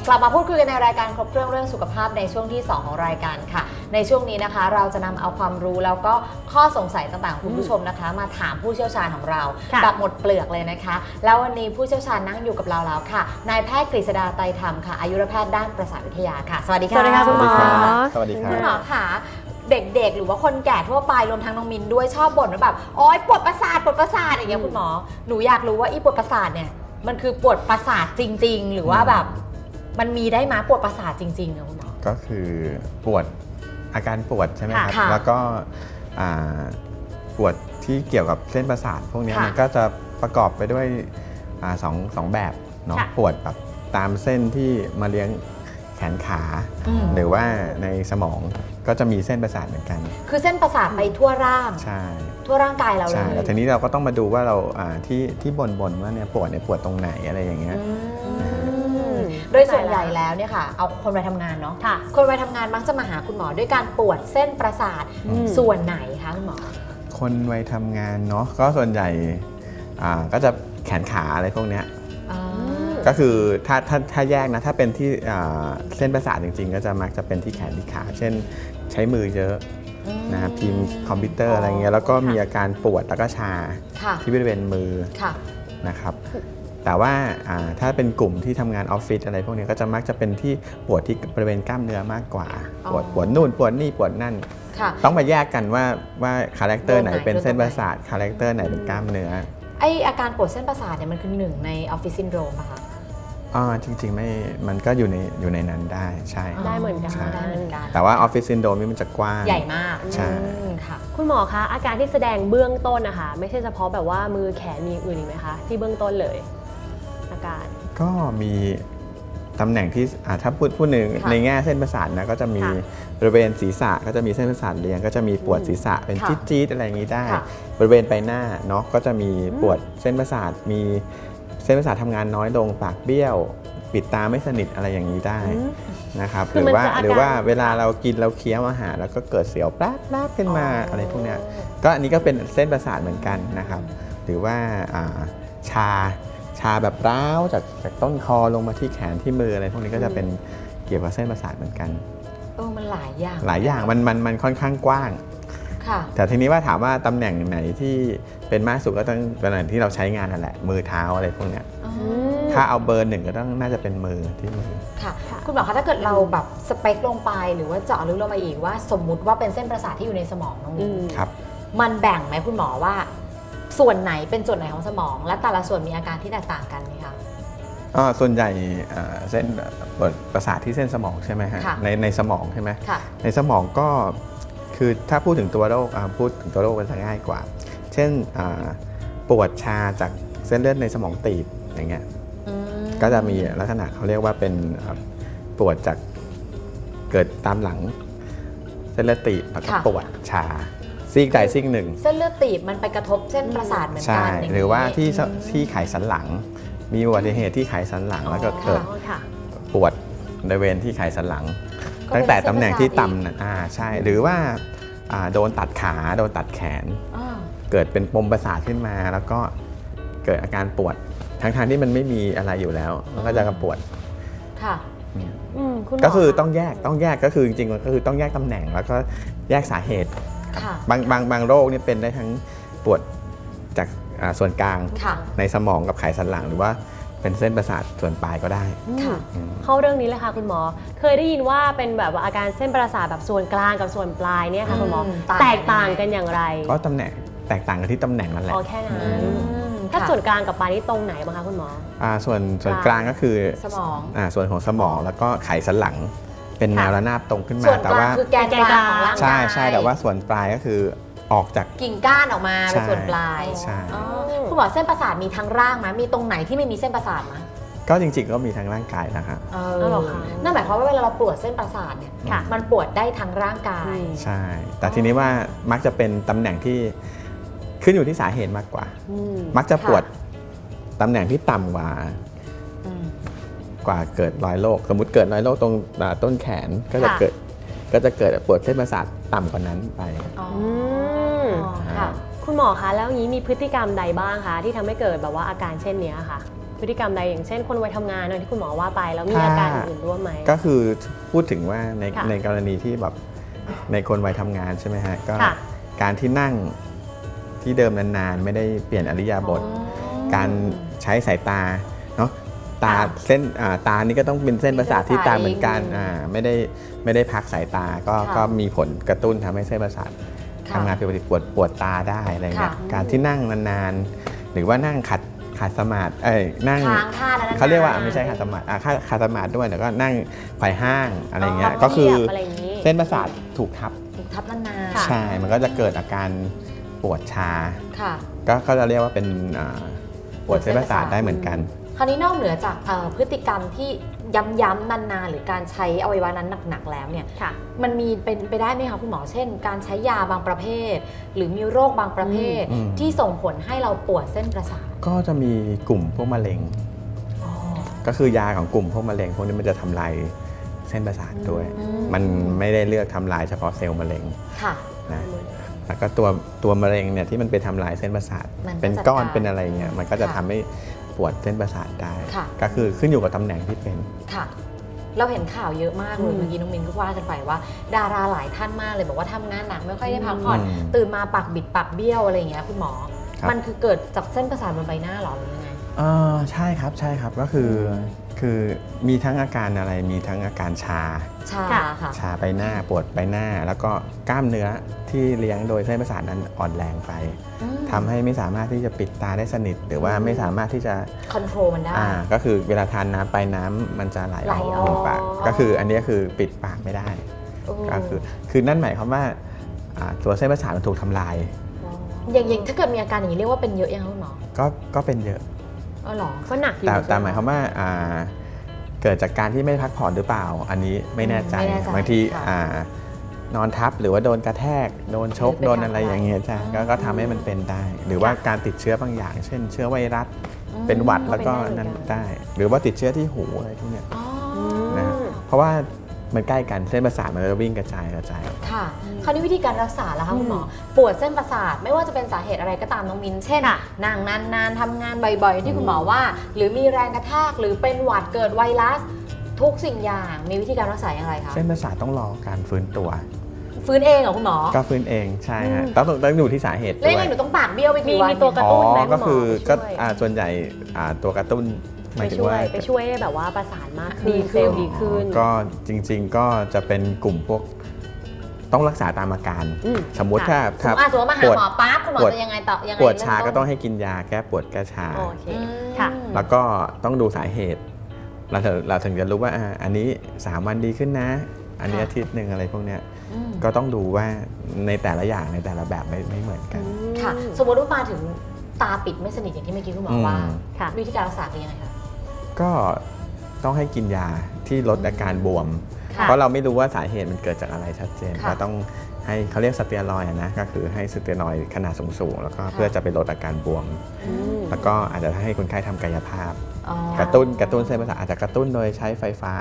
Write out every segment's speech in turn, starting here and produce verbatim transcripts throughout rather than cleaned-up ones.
กลับมาพูดคุยกันในรายการครบเครื่องเรื่องสุขภาพในช่วงที่สองของรายการค่ะในช่วงนี้นะคะเราจะนำเอาความรู้แล้วก็ข้อสงสัยต่างๆของคุณผู้ชมนะคะมาถามผู้เชี่ยวชาญของเราแบบหมดเปลือกเลยนะคะแล้ววันนี้ผู้เชี่ยวชาญนั่งอยู่กับเราแล้วค่ะนายแพทย์กฤษดาไตรธรรมค่ะอายุรแพทย์ด้านประสาทวิทยาค่ะสวัสดีค่ะสวัสดีค่ะคุณหมอสวัสดีครับคุณหมอค่ะเด็กๆหรือว่าคนแก่ทั่วไปรวมทั้งน้องมินด้วยชอบบ่นว่าแบบโอ๊ยปวดประสาทปวดประสาทอย่างเงี้ยคุณหมอหนูอยากรู้ว่าอีปวดประสาทเนี่ยมันคือปวดประสาทจริงๆหรือว่าแบบมันมีได้มาปวดประสาทจริงๆนะคุณหมอก็คือปวดอาการปวดใช่ไหมครับค่ะแล้วก็ปวดที่เกี่ยวกับเส้นประสาทพวกนี้มันก็จะประกอบไปด้วยสองสองแบบเนาะปวดแบบตามเส้นที่มาเลี้ยงแขนขาหรือว่าในสมองก็จะมีเส้นประสาทเหมือนกันคือเส้นประสาทไปทั่วร่างใช่ทั่วร่างกายเราเลยใช่แล้วทีนี้เราก็ต้องมาดูว่าเราที่ที่บ่นๆว่าเนี่ยปวดเนี่ยปวดตรงไหนอะไรอย่างเงี้ยโดยส่วนใหญ่แล้วเนี่ยค่ะเอาคนวัยทำงานเนาะคนวัยทำงานมักจะมาหาคุณหมอด้วยการปวดเส้นประสาทส่วนไหนคะคุณหมอคนวัยทำงานเนาะก็ส่วนใหญ่ก็จะแขนขาอะไรพวกเนี้ยก็คือถ้าถ้าถ้าแยกนะถ้าเป็นที่เส้นประสาทจริงๆก็จะมักจะเป็นที่แขนที่ขาเช่นใช้มือเยอะนะครับพิมพ์คอมพิวเตอร์อะไรเงี้ยแล้วก็มีอาการปวดแล้วก็ชาที่บริเวณมือนะครับแต่ว่าถ้าเป็นกลุ่มที่ทำงานออฟฟิศอะไรพวกนี้ก็จะมักจะเป็นที่ปวดที่บริเวณกล้ามเนื้อมากกว่าปวดปวดนู่นปวดนี่ปวดนั่นต้องมาแยกกันว่าว่าคาแรคเตอร์ไหนเป็นเส้นประสาทคาแรคเตอร์ไหนเป็นกล้ามเนื้อไออาการปวดเส้นประสาทเนี่ยมันคือหนึ่งในออฟฟิศซินโดรมป่ะคะอ๋อจริงๆไม่มันก็อยู่ในอยู่ในนั้นได้ใช่ได้เหมือนกันได้เหมือนกันแต่ว่าออฟฟิศซินโดรมนี่มันจะกว้างใหญ่มากใช่ค่ะคุณหมอคะอาการที่แสดงเบื้องต้นนะคะไม่ใช่เฉพาะแบบว่ามือแขนมีอื่นอีกไหมคะที่เบื้องต้นเลยอาการก็มีตำแหน่งที่ถ้าพูดพูดหนึ่งในแง่เส้นประสาทนะก็จะมีบริเวณศีรษะก็จะมีเส้นประสาทเลี้ยงก็จะมีปวดศีรษะเป็นจี๊ดๆอะไรอย่างนี้ได้บริเวณใบหน้าเนาะก็จะมีปวดเส้นประสาทมีเส้นประสาททำงานน้อยลงปากเบี้ยวปิดตาไม่สนิทอะไรอย่างนี้ได้นะครับหรือว่าหรือว่าเวลาเรากินเราเคี้ยวอาหารแล้วก็เกิดเสียวแป๊บๆขึ้นมาอะไรพวกนี้ก็อันนี้ก็เป็นเส้นประสาทเหมือนกันนะครับหรือว่าชาชาแบบร้าวจากจากต้นคอลงมาที่แขนที่มืออะไรพวกนี้ก็จะเป็นเกี่ยวกับเส้นประสาทเหมือนกันเออมันหลายอย่างหลายอย่างมันมันมันค่อนข้างกว้างแต่ทีนี้ว่าถามว่าตำแหน่งไหนที่เป็นมากสุดก็ต้องตำแหน่งที่เราใช้งานนั่นแหละมือเท้าอะไรพวกนี้ถ้าเอาเบอร์หนึ่งก็ต้องน่าจะเป็นมือที่มือค่ะคุณหมอคะถ้าเกิดเราแบบสเปคลงไปหรือว่าเจาะลึกลงมาอีกว่าสมมุติว่าเป็นเส้นประสาทที่อยู่ในสมองน้องมิ้นครับมันแบ่งไหมคุณหมอว่าส่วนไหนเป็นส่วนไหนของสมองและแต่ละส่วนมีอาการที่แตกต่างกันไหมคะส่วนใหญ่เส้นประสาทที่เส้นสมองใช่ไหมฮะในในสมองใช่ไหมในสมองก็คือถ้าพูดถึงตัวโรคพูดถึงตัวโรคมันจะง่ายกว่าเช่นปวดชาจากเส้นเลือดในสมองตีบอย่างเงี้ยก็จะมีลักษณะเขาเรียกว่าเป็นปวดจากเกิดตามหลังเส้นเลือดตีบแล้วก็ปวดชาซีกใดซีกหนึ่งเส้นเลือดตีบมันไปกระทบเส้นประสาทเหมือนกันหรือว่าที่ที่ไขสันหลังมีอุบัติเหตุที่ไขสันหลังแล้วก็เกิดปวดบริเวณที่ไขสันหลังตั้งแต่ตำแหน่งที่ต่ำอ่าใช่หรือว่าโดนตัดขาโดนตัดแขนเกิดเป็นปมประสาทขึ้นมาแล้วก็เกิดอาการปวดทั้งๆที่มันไม่มีอะไรอยู่แล้วมันก็จะกระปวดค่ะก็คือต้องแยกต้องแยกก็คือจริงๆก็คือต้องแยกตำแหน่งแล้วก็แยกสาเหตุบางบางบางโรคนี่เป็นได้ทั้งปวดจากส่วนกลางในสมองกับไขสันหลังหรือว่าเป็นเส้นประสาทส่วนปลายก็ได้เข้าเรื่องนี้เลยค่ะคุณหมอเคยได้ยินว่าเป็นแบบว่าอาการเส้นประสาทแบบส่วนกลางกับส่วนปลายเนี่ยค่ะคุณหมอแตกต่างกันอย่างไรก็ตำแหน่งแตกต่างกันที่ตำแหน่งนั่นแหละอ๋อแค่นั้นถ้าส่วนกลางกับปลายนี่ตรงไหนบ้างคะคุณหมออ่าส่วนส่วนกลางก็คือสมองอ่าส่วนของสมองแล้วก็ไขสันหลังเป็นแนวระนาบตรงขึ้นมาแต่ว่าคือแกนกลางของร่างกายใช่ใช่แต่ว่าส่วนปลายก็คือออกจากกิ่งก้านออกมาเป็นส่วนปลายใช่คุณหมอเส้นประสาทมีทั้งร่างไหมมีตรงไหนที่ไม่มีเส้นประสาทไหมก็จริงๆก็มีทั้งร่างกายนะครับนั่นหมายความว่าเวลาเราปวดเส้นประสาทเนี่ยมันปวดได้ทั้งร่างกายใช่แต่ทีนี้ว่ามักจะเป็นตำแหน่งที่ขึ้นอยู่ที่สาเหตุมากกว่ามักจะปวดตำแหน่งที่ต่ำกว่ากว่าเกิดรอยโรคสมมุติเกิดรอยโรคตรงต้นแขนก็จะเกิดก็จะเกิดปวดเส้นประสาทต่ำกว่านั้นไปคุณหมอคะแล้วนี้มีพฤติกรรมใดบ้างคะที่ทำให้เกิดแบบว่าอาการเช่นนี้ค่ะพฤติกรรมใดอย่างเช่นคนวัยทำงานที่คุณหมอว่าไปแล้วมีอาการอื่นร่วมไหมก็คือพูดถึงว่าในค่ะในกรณีที่แบบในคนวัยทำงานใช่ไหมฮะก็ค่ะการที่นั่งที่เดิมนานๆไม่ได้เปลี่ยนอริยาบถการใช้สายตาเนาะตาค่ะเส้นอ่าตานี่ก็ต้องเป็นเส้นประสาทที่ตาเหมือนกันอืมอ่าไม่ได้ไม่ได้พักสายตาก็ค่ะก็มีผลกระตุ้นทำให้เส้นประสาทค่ะทำงานผิดปกติปวดปวดตาได้อะไรเงี้ยค่ะการที่นั่งนานๆหรือว่านั่งขัดขัดสมาธิเอ้ยนั่งค้างท่าแล้วนะเขาเรียกว่าไม่ใช่ขัดสมาธิอ่าขัดสมาธิด้วยแล้วก็นั่งไขว่ห้างอะไรเงี้ยก็คือเหยียบอะไรอย่างนี้เส้นประสาทถูกทับถูกทับนานค่ะใช่ มันก็จะเกิดอาการปวดชาๆค่ะก็ก็จะเรียกว่าเป็นอ่าปวดเส้นประสาทได้เหมือนกันคราวนี้นอกเหนือจากเอ่อพฤติกรรมที่ย้ำๆนานๆหรือการใช้อวัยวะนั้นหนักๆแล้วเนี่ยค่ะมันมีเป็นไปได้ไหมคะคุณหมอเช่น การใช้ยาบางประเภท หรือมีโรคบางประเภทอืมที่ส่งผลให้เราปวดเส้นประสาทก็จะมีกลุ่มพวกมะเร็ง ก็คือยาของกลุ่มพวกมะเร็งพวกนี้มันจะทำลายเส้นประสาทด้วยอืมมันไม่ได้เลือกทำลายเฉพาะเซลล์มะเร็งค่ะนะแล้วก็ตัวตัวมะเร็งเนี่ยที่มันไปทำลายเส้นประสาทมันก็เป็นก้อนจัดการเป็นอะไรเงี้ยมันก็จะค่ะทำให้ปวดเส้นประสาทได้ค่ะก็คือขึ้นอยู่กับตำแหน่งที่เป็นค่ะ เราเห็นข่าวเยอะมากเลยอืมเมื่อกี้น้องมินก็ว่ากันไปว่า ดาราหลายท่านมากเลยบอกว่าทำงานหนักไม่ค่อยได้พักผ่อนอืมตื่นมาปากบิดปากเบี้ยวอะไรอย่างเงี้ยคุณหมอครับมันคือเกิดจากเส้นประสาทบนใบหน้าหรอหรือยังไงอ่าใช่ครับใช่ครับก็คือคือมีทั้งอาการอะไรมีทั้งอาการชาชาค่ะค่ะชาใบหน้าปวดใบหน้า แล้วก็กล้ามเนื้อที่เลี้ยงโดยเส้นประสาทนั้นอ่อนแรงไปอืมทำให้ไม่สามารถที่จะปิดตาได้สนิท หรือว่าไม่สามารถที่จะคอนโทรลมันได้อ่าก็คือเวลาทานน้ำไปน้ำมันจะไหลไหลออออก กปากก็คืออันนี้คือปิดปากไม่ได้โอ้ก็คือคือนั่นหมายความว่าอ่าตัวเส้นประสาทมันถูกทำลายอย่างอย่างถ้าเกิดมีอาการอย่างนี้เรียกว่าเป็นเยอะยังคะคุณหมอก็ก็เป็นเยอะอ๋อเหรอก็หนักอยู่แต่แต่ใช่ไหหมายความว่าอ่าเกิดจากการที่ไม่พักผ่อนหรือเปล่า อันนี้ไม่แน่ใจไม่แน่ใจบางทีค่ะอ่านอนทับหรือว่าโดนกระแทกโดนชกหรือไปโดนอะไรทำอะไรอย่างเงี้ยจ้ะก็อืมก็ทำให้มันเป็นได้ หรือว่าการติดเชื้อบางอย่าง เช่น เชื้อไวรัสอืมเป็นหวัดแล้วก็เป็นได้เหมือนกันนั้นได้ หรือว่าติดเชื้อที่หูอะไรพวกเนี้ยอ๋อนะ เพราะว่ามันใกล้กันเส้นประสาทมันจะวิ่งกระจายกระจายค่ะ คราวนี้วิธีการรักษาแล้วคะคุณหมอ ปวดเส้นประสาทไม่ว่าจะเป็นสาเหตุอะไรก็ตามน้องมิน เช่นค่ะนั่งนานๆทำงานบ่อยๆ ที่คุณหมอว่า หรือมีแรงกระแทกหรือเป็นหวัดเกิดไวรัส ทุกสิ่งอย่างมีวิธีการรักษาอย่างไรคะเส้นประสาทต้องรอการฟื้นตัวฟื้นเองเหรอคุณหมอก็ฟื้นเองใช่ฮะต้องต้องอยู่ที่สาเหตุแล้วด้ยังวไงยหนูต้องปากเบี้ยวไปมีกี่วันมีตัวกระอ๋อตุ้นไหมคุณหมอก็คือไปก็ช่วยอ่าส่วนใหญ่อ่าตัวกระตุ้นหไปมายถึงช่วว่ายไปช่วยให้แบบว่าประสานมากขึ้นดีขึ้นเซลล์ดีขึ้นก็จริงๆก็จะเป็นกลุ่มพวกต้องรักษาตามอาการอืมสมมุติค่ะถ้าสมมติอ่ะสมมติมาหาปวดหมอปั๊บคุณหมอปวดจะยังไงต่อยังไงปวดชาเริ่มก็ต้นต้องให้กินยาแก้ปวดแก้ชาโอเคอืมค่ะแล้วก็ต้องดูสาเหตุ เราถึงเราถึงจะรู้ว่าอ่าอันนี้สามวันดีขึ้นนะ อันนี้ค่ะอาทิตย์หนึ่งอะไรพวกเนี้ยอืมก็ต้องดูว่าในแต่ละอย่างในแต่ละแบบไม่ไม่เหมือนกันค่ะ สมมติว่ามาถึงตาปิดไม่สนิทอย่างที่เมื่อกี้คุณหมอว่าอืมค่ะวิธีการรักษาเป็นยังไงคะก็ต้องให้กินยาที่ลดอาการบวมค่ะเพราะเราไม่รู้ว่าสาเหตุมันเกิดจากอะไรชัดเจนค่ะก็ต้องให้เขาเรียกสเตียรอยด์นะก็คือให้สเตียรอยด์ขนาดสูงๆแล้วก็ค่ะเพื่อจะไปลดอาการบวมอืมแล้วก็อาจจะให้คนไข้ทำกายภาพอ๋อกระตุ้นกระตุ้นเส้นประสาทอาจจะกระตุ้นโดยใช้ไฟฟ้า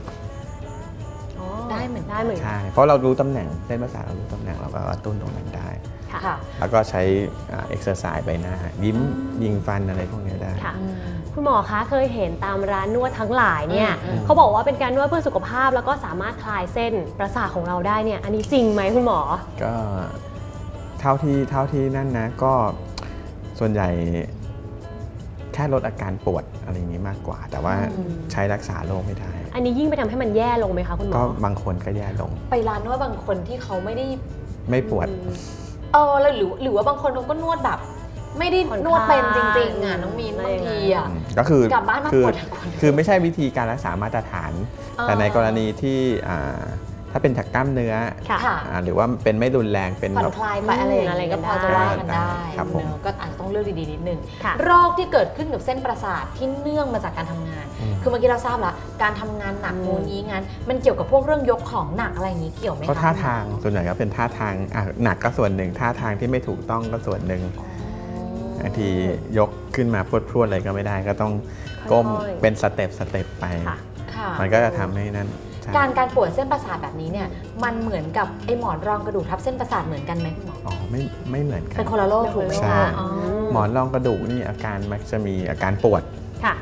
ได้เหมือนได้เหมือนกันใช่เพราะเรารู้ตำแหน่งเส้นประสาทเรารู้ตำแหน่งเราก็กระตุ้นตรงนั้นได้ค่ะค่ะแล้วก็ใช้เอ็กซ์ไซส์ใบหน้า ยิ้มยิงฟันอะไรพวกนี้ได้ค่ะอืมคุณหมอคะเคยเห็นตามร้านนวดทั้งหลายเนี่ยอืมเขาบอกว่าเป็นการนวดเพื่อสุขภาพแล้วก็สามารถคลายเส้นประสาทของเราได้เนี่ยอันนี้จริงไหมคุณหมอก็เท่าที่เท่าที่นั่นนะก็ส่วนใหญ่แค่ลดอาการปวดอะไรอย่างนี้มากกว่า แต่ว่าอืมใช้รักษาโรคไม่ได้อันนี้ยิ่งไปทำให้มันแย่ลงไหมคะคุณหมอก็บางคนก็แย่ลงไปร้านนวดบางคนที่เขาไม่ได้ไม่ปวดอืมเออแล้วหรือหรือว่าบางคนเขาก็นวดแบบ ไม่ได้ผ่อนนวดเป็นจคลายริงๆอ่ะน้องมีนอะไรบางทีอ่ะอืมก็คือกลับบ้านมาคือปวดทั้งคนคือไม่ใช่วิธีการรักษามาตรฐานอ๋อแต่ในกรณีที่อ่าถ้าเป็นจากกล้ามเนื้อค่ะค่ะอ่าหรือว่าเป็นไม่รุนแรงเป็นผ่อแบนบคลายไปอะไรอย่างอะไรเงี้ยก็ก็พพออจะจะว่าว่ากักัน นได้ได้ครับผมเนอะก็อาจจะต้องเลือกดีๆนิดนึงค่ะโรคที่เกิดขึ้นกับเส้นประสาทที่เนื่องมาจากการทำงานอืมคือเมื่อกี้เราทราบแล้วการทำงานหนักอืมงูนี้งั้น มันเกี่ยวกับพวกเรื่องยกของหนักอะไรอย่างนี้เกี่ยวไหมคะก็ท่าทางส่วนใหญ่ก็เป็นท่าทางอ่ะหนักก็ส่วนหนึ่งท่าทางที่ไม่ถูกต้องก็ส่วนหนึ่งอ๋อบางทียกขึ้นมาพรวดๆอะไรก็ไม่ได้ก็ต้องก้มค่อยๆเป็นสเต็ปสเต็ปไปค่ะค่ะมันก็จะทำให้นั้นใช่การการปวดเส้นประสาทแบบนี้เนี่ยมันเหมือนกับไอ้หมอนรองกระดูกทับเส้นประสาทเหมือนกันไหมคุณหมออ๋อไม่ไม่เหมือนกันเป็นคนละโรคถูกไหมใช่คะอ๋อหมอนรองกระดูกนี่อาการมักจะมีอาการปวดค่ะ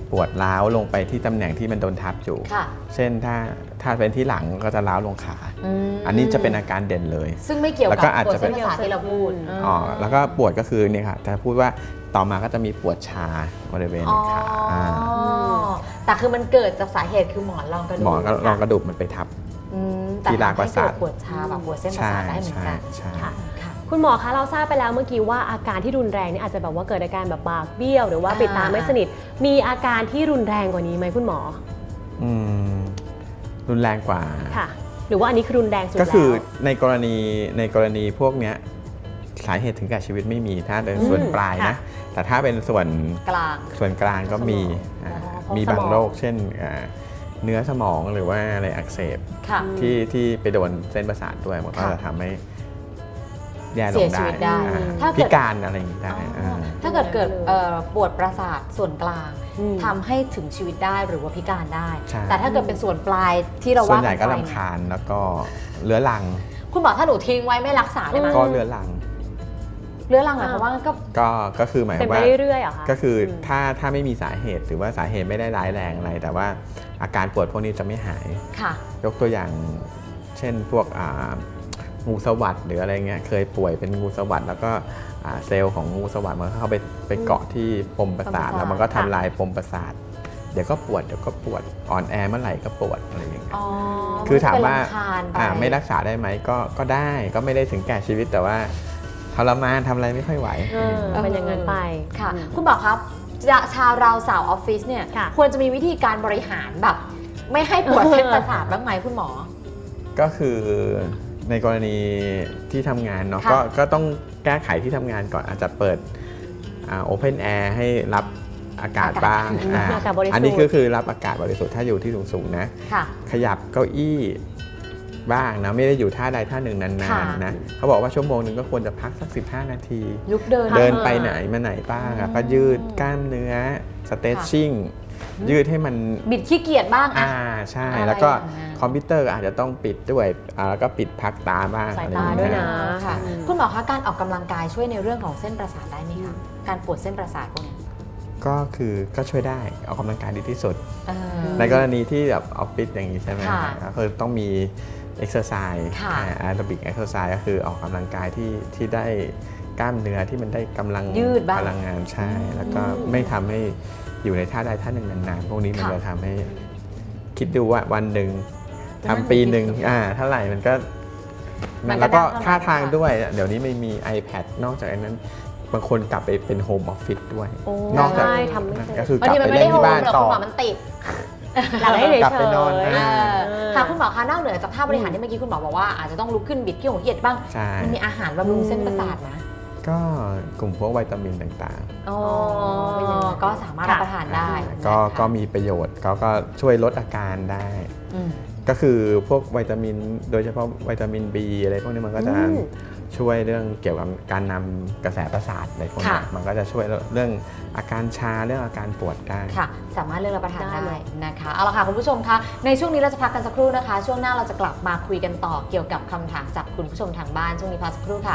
ปวดร้าวลงไปที่ตำแหน่งที่มันโดนทับอยู่ค่ะเช่นถ้าถ้าเป็นที่หลังก็จะร้าวลงขามอันนี้จะเป็นอาการเด่นเลยซึ่งไม่เกี่ยวแล้วกับก็อาจปวดจะเป็เส้นนประสาทที่เราพูดอ๋อแล้วก็ปวดก็คือเนี่ยค่ะจะพูดว่าต่อมาก็จะมีปวดชาบริเวณอ๋อขาอา แต่คือมันเกิดจากสาเหตุคือหมอนรองกระดูกหมอนก็รองกระดูกมันไปทับอืมแต่ที่รากประสาททำให้เกิดปวดชาแบบปวดเส้นประสาทได้เหมือนกันใช่ค่ะใช่ค่ะคุณหมอคะเราทราบไปแล้วเมื่อกี้ว่าอาการที่รุนแรงเนี่ยอาจจะแบบว่าเกิดอาการแบบปากเบี้ยว หรือว่าอ่าปิดตาไม่สนิทมีอาการที่รุนแรงกว่านี้ไหมคุณหมออืมรุนแรงกว่าค่ะ หรือว่าอันนี้คือรุนแรงสุดก็แล้วคือในกรณีในกรณีพวกเนี้ยสาเหตุถึงแก่ชีวิตไม่มีถ้าเป็นส่วนอืมปลายค่ะนะ แต่ถ้าเป็นส่วนกลางส่วนกลางก็มีสมองอ่าอ๋อเพราะมีบางสมองโรคเช่นอ่าเนื้อสมองหรือว่าอะไรอักเสบค่ะที่ที่ไปโดนเส้นประสาทด้วยมันก็ค่ะจะทำให้แย่ลเสีงยชีได้วิตได้อ่าถ้าเกิพิดการอะไรอย่างนี้ได้อ๋อาถ้าเกิดเกิดเอ่อปวดประสาทส่วนกลางอืมทำให้ถึงชีวิตได้หรือว่าพิการได้ใช่แต่ถ้าเกิดเป็นส่วนปลายที่เราส่วนว่าใหญ่ก็ไปลำคาญแล้วก็เรื้อรังคุณหมอถ้าหนูทิ้งไว้ไม่รักษาได้ไหมก็เรื้อรังเรื้อรังหมายความว่าก็ก็ก็คือหมายคเป็วาน มไปว่าเรื่อยๆเหรอคะก็คืออมถ้าถ้าไม่มีสาเหตุหรือว่าสาเหตุไม่ได้ร้ายแรงอะไร แต่ว่าอาการปวดพวกนี้จะไม่หายค่ะยกตัวอย่างเช่นพวกอ่างูสวัสดหรืออะไรเงี้ยเคยป่วยเป็นงูสวัสดแล้วก็อ่าเซลล์ของงูสวัสดมันเข้าไปไปเกาะที่ปมประสาทปมประสาทแล้วมันก็ทำลายปมประสาท เดี๋ยวก็ปวดเดี๋ยวก็ปวดอ่อนแอเมื่อไหร่ก็ปวดอะไรอย่างเงี้ยอ๋อคือถามว่านเป็นรำคญปอ่าไม่รักษาได้ไหมก็ก็ได้ก็ไม่ได้ถึงแก่ชีวิตแต่ว่าทรมานทำอะไรไม่ค่อยไหวเออเป็นอย่างนั้นไปค่ะอืมคุณหมอครับจะชาวเราสาวออฟฟิศเนี่ยค่ะควรจะมีวิธีการบริหารแบบ ไม่ให้ปวดเส้นประสาทบ้างไหมคุณหมอก็คือในกรณีที่ทำงานเนาะค่ะก็ก็ต้องแก้ไขที่ทำงานก่อนอาจจะเปิดโอเพนแอร์ให้รับอากาศบ้างอ่าอากาศบริสุทธิ์อันนี้ก็คือรับอากาศบริสุทธิ์ถ้าอยู่ที่สูงๆนะค่ะขยับเก้าอี้บ้างนะไม่ได้อยู่ท่าใดท่าหนึ่งนาค่ะนๆนะเขาบอกว่าชั่วโมงหนึ่งก็ควรจะพักสักสิบห้านาทีลุกเดินเดินไปไหนมาไหนบ้างอะก็ยืดกล้ามเนื้อสเตชชิ่งยืดให้มันบิดขี้เกียจบ้างอะอ่าใช่อะไรแล้วก็อย่างนั้นคอมพิวเตอร์ก็อาจจะต้องปิดด้วยอ่าแล้วก็ปิดพักตาบ้างสายอะไรตาองด้วยเงี้นะค่ะอืมคุณหมอคะการออกกำลังกายช่วยในเรื่องของเส้นประสาทได้ไหมคะการปวดเส้นประสาทพวกเนี้ยก็คือก็ช่วยได้ออกกำลังกายดีที่สุดเออในกรณีที่แบบออฟฟิศอย่างนี้ใช่ไหมค่ะก็คือต้องมีเอ็กซ์เซอร์ไซส์ค่ะแอโรบิกเอ็กซ์เซอร์ไซส์ก็คือออกกำลังกายที่ที่ได้กล้ามเนื้อที่มันได้กำลังยืดบ้างพลังงานใช่ แล้วก็ไม่ทำให้อยู่ในท่าใดท่าหนึ่งนานๆ พวกนี้มันค่ะจะทำให้คิดดูว่าวันหนึ่งนั่นทำปีหนึ่งดีสุดอ่าเท่าไหร่มันก็มันก็แล้วก็ได้เท่านั้นท่าทางค่ะด้วย เดี๋ยวนี้ไม่มี iPad นอกจากนั้น บางคนกลับไปเป็นโฮมออฟฟิศด้วยโอ้นอกจากใช่ทำไม่เป็นก็คือกบางลับทีไปมันไม่เล่ได้นโฮที่มบ้านหรอกต่คุอณหมอมันติดหลับให้เฉยๆกลับไปนอนเออ่าอค่ะคุณหมอคะนอกเหนือจากท่าบริหารที่เมื่อกี้คุณหมอบอกว่าอาจจะต้องลุกขึ้นบิดขี้หงขี้เกียจบ้างใช่มันมีอาหารบำรุงเส้นประสาทนะก็กลุ่มพวกวิตามินต่างอ๋อเป็นอย่างนั้นก็สามารถรับประทานๆได้ก็นะคะก็มีประโยชน์ก็ก็ช่วยลดอาการได้อืมก็คือพวกวิตามินโดยเฉพาะวิตามิน B อะไรพวกนี้มันก็จะอืมช่วยเรื่องเกี่ยวกับการนำกระแสประสาทอะไรพวกนี้ค่ะมันก็จะช่วยเรื่องอาการชาเรื่องอาการปวดได้ค่ะ สามารถเลือกรับประทานได้ได้นะคะเอาละค่ะคุณผู้ชมคะในช่วงนี้เราจะพักกันสักครู่นะคะ ช่วงหน้าเราจะกลับมาคุยกันต่อเกี่ยวกับคำถามจากคุณผู้ชมทางบ้านช่วงนี้พักสักครู่ค่ะ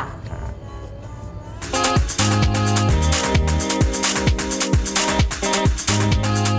ครับ